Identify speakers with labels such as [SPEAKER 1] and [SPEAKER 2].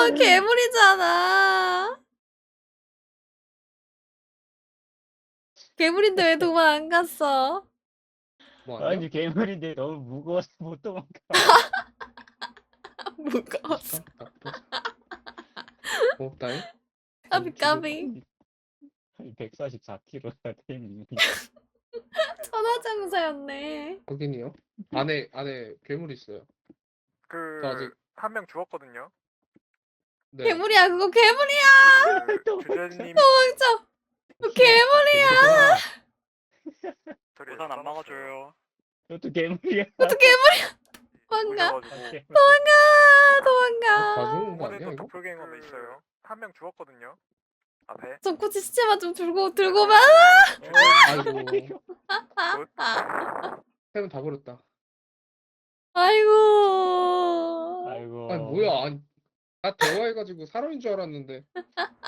[SPEAKER 1] 괴물이잖아. 괴물인데 왜 도망 안 갔어?
[SPEAKER 2] 뭐 아니야?
[SPEAKER 3] 아니 괴물인데 너무 무거워서 못 도망가.
[SPEAKER 1] 무거웠어.
[SPEAKER 2] 나쁘. 고맙다잉.
[SPEAKER 1] 까비 까비.
[SPEAKER 3] 144kg가 템이.
[SPEAKER 1] 천하장사였네.
[SPEAKER 2] 확인이요. 안에 괴물 있어요. 저 아직
[SPEAKER 4] 한 명 죽었거든요.
[SPEAKER 2] 네.
[SPEAKER 1] 괴물이야 그거 괴물이야.
[SPEAKER 4] 주제님
[SPEAKER 1] 도망쳐. 그거 괴물이야.
[SPEAKER 4] 우산 안 막아줘요.
[SPEAKER 3] 이것도 괴물이야.
[SPEAKER 1] 그것도 괴물이야. 도망가.
[SPEAKER 4] 오셔가지고
[SPEAKER 1] 도망가.
[SPEAKER 2] 가져온 거 아니야
[SPEAKER 4] 이번에도
[SPEAKER 2] 이거?
[SPEAKER 4] 도플갱어도 있어요. 한 명 죽었거든요. 앞에.
[SPEAKER 1] 정코치 시체만 좀 들고 만.
[SPEAKER 2] 아이고.
[SPEAKER 1] 아.
[SPEAKER 2] 템은 다 버렸다.
[SPEAKER 1] 아이고.
[SPEAKER 3] 아이고.
[SPEAKER 2] 아니 뭐야? 아니, 나 대화해가지고 사람인 줄 알았는데.